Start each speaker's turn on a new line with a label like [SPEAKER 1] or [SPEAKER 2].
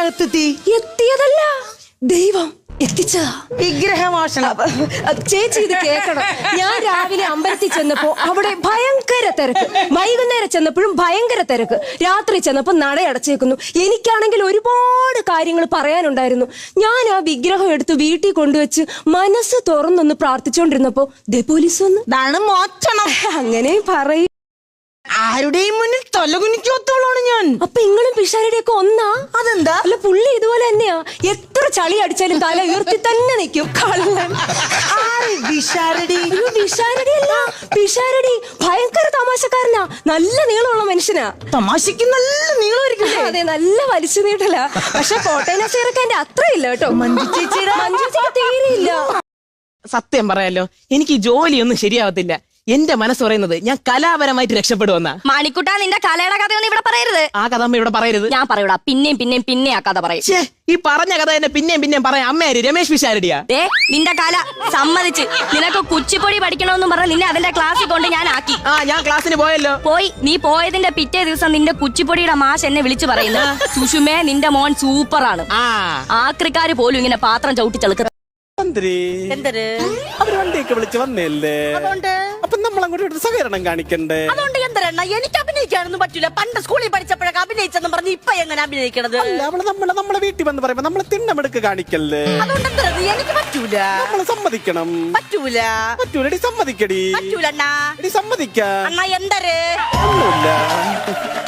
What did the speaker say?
[SPEAKER 1] ഇതിനകത്തെത്തി?
[SPEAKER 2] എത്തിയതല്ല, ദൈവം എത്തിച്ചതാ.
[SPEAKER 1] വിഗ്രഹമോഷണം.
[SPEAKER 2] ചേച്ചി ഇത് കേക്കണം. ഞാൻ രാവിലെ അമ്പലത്തിൽ ചെന്നപ്പോ അവിടെ ഭയങ്കര തിരക്ക്, വൈകുന്നേരം ചെന്നപ്പോഴും ഭയങ്കര തിരക്ക്, രാത്രി ചെന്നപ്പോ നടയടച്ചേക്കുന്നു. എനിക്കാണെങ്കിൽ ഒരുപാട് കാര്യങ്ങൾ പറയാനുണ്ടായിരുന്നു. ഞാൻ ആ വിഗ്രഹം എടുത്ത് വീട്ടിൽ കൊണ്ടുവച്ച് മനസ്സ് തുറന്നൊന്ന് പ്രാർത്ഥിച്ചോണ്ടിരുന്നപ്പോ ദേ പോലീസ് വന്നു.
[SPEAKER 1] ഇതാണ് മോഷണം.
[SPEAKER 2] അങ്ങനെ പറയും.
[SPEAKER 1] ആരുടെയും മുന്നിൽ തലകുനിക്കോത്തോളാണ് ഞാൻ.
[SPEAKER 2] അപ്പൊ ഇങ്ങളും പിഷാരുടെ ഒക്കെ ഒന്നാ?
[SPEAKER 1] അതെന്താ?
[SPEAKER 2] അല്ല, പുള്ളി ഇതുപോലെ തന്നെയാ. എത്ര ചളി അടിച്ചാലും തല ഉയർത്തി തന്നെ നിൽക്കും. കള്ളൻ.
[SPEAKER 1] വിശാരടി?
[SPEAKER 2] വിശാരടി അല്ല, പിഷാരടി. ഭയങ്കര തമാശക്കാരനാ, നല്ല നീളമുള്ള മനുഷ്യനാ.
[SPEAKER 1] തമാശക്ക് നല്ല നീളമായിരിക്കും.
[SPEAKER 2] അതെ, നല്ല വലിച്ചു നീട്ടല. പക്ഷെ കോട്ടയം നസീറൊക്കെ അത്ര ഇല്ല കേട്ടോ.
[SPEAKER 1] മഞ്ജു ചേച്ചിക്ക്
[SPEAKER 2] തീരെയില്ല.
[SPEAKER 3] സത്യം പറയാലോ, എനിക്ക് ജോലിയൊന്നും ശരിയാവത്തില്ല. എന്റെ മനസ്സ് പറയുന്നത് ഞാൻ കലാപരമായിട്ട് രക്ഷപ്പെടുവെന്നാ.
[SPEAKER 4] മാണിക്കുട്ടാ, നിന്റെ കലയുടെ കഥയൊന്നും ഇവിടെ പറയരുത്.
[SPEAKER 3] ആ കഥ അമ്മ ഇവിടെ പറയരുത്.
[SPEAKER 4] ഞാൻ പറയൂടാ, പിന്നെ ആ കഥ പറയും.
[SPEAKER 3] ഈ പറഞ്ഞ കഥ തന്നെ പിന്നെയും പറയാം. അമ്മയാര്? രമേശ് പിഷാരടിയാ?
[SPEAKER 4] നിന്റെ കല സമ്മതിച്ച്. നിനക്ക് കുച്ചിപ്പൊടി പഠിക്കണമെന്നും പറഞ്ഞ് നിന്നെ അതിന്റെ ക്ലാസ്സിൽ കൊണ്ട് ഞാൻ ആക്കി.
[SPEAKER 3] ഞാൻ ക്ലാസ്സിന് പോയല്ലോ.
[SPEAKER 4] പോയി. നീ പോയതിന്റെ പിറ്റേ ദിവസം നിന്റെ കുച്ചിപ്പൊടിയുടെ മാഷ് എന്നെ വിളിച്ചു പറയുന്നു, സുഷുമേ നിന്റെ മോൻ സൂപ്പറാണ്. ആക്രിക്കാര് പോലും ഇങ്ങനെ പാത്രം ചവിട്ടി ചെളുക്ക.
[SPEAKER 5] അവര് വണ്ടിയൊക്കെ വിളിച്ച് വന്നല്ലേ, അപ്പൊ നമ്മൾ അങ്ങോട്ട് സഹകരണം കാണിക്കണ്ടേ?
[SPEAKER 6] അതുകൊണ്ട് എന്തരണ്ണ, എനിക്ക് അഭിനയിക്കാനൊന്നും പറ്റൂല. പണ്ട് സ്കൂളിൽ പഠിച്ചപ്പോഴൊക്കെ അഭിനയിച്ചെന്ന് പറഞ്ഞ് ഇപ്പൊ എങ്ങനെ അഭിനയിക്കണത്?
[SPEAKER 5] നമ്മളെ വീട്ടിൽ വന്ന് പറയുമ്പോ നമ്മള് തിണ്ണമെടുക്ക് കാണിക്കല്ലേ?
[SPEAKER 6] അതുകൊണ്ട് എന്തരത്, എനിക്ക് പറ്റൂല.
[SPEAKER 5] നമ്മള് സമ്മതിക്കണം.
[SPEAKER 6] പറ്റൂലടി,
[SPEAKER 5] സമ്മതിക്കടി.
[SPEAKER 6] പറ്റൂലണ്ണാ.
[SPEAKER 5] സമ്മതിക്ക
[SPEAKER 6] അണ്ണാ എന്തര്?
[SPEAKER 5] ഒന്നുമില്ല.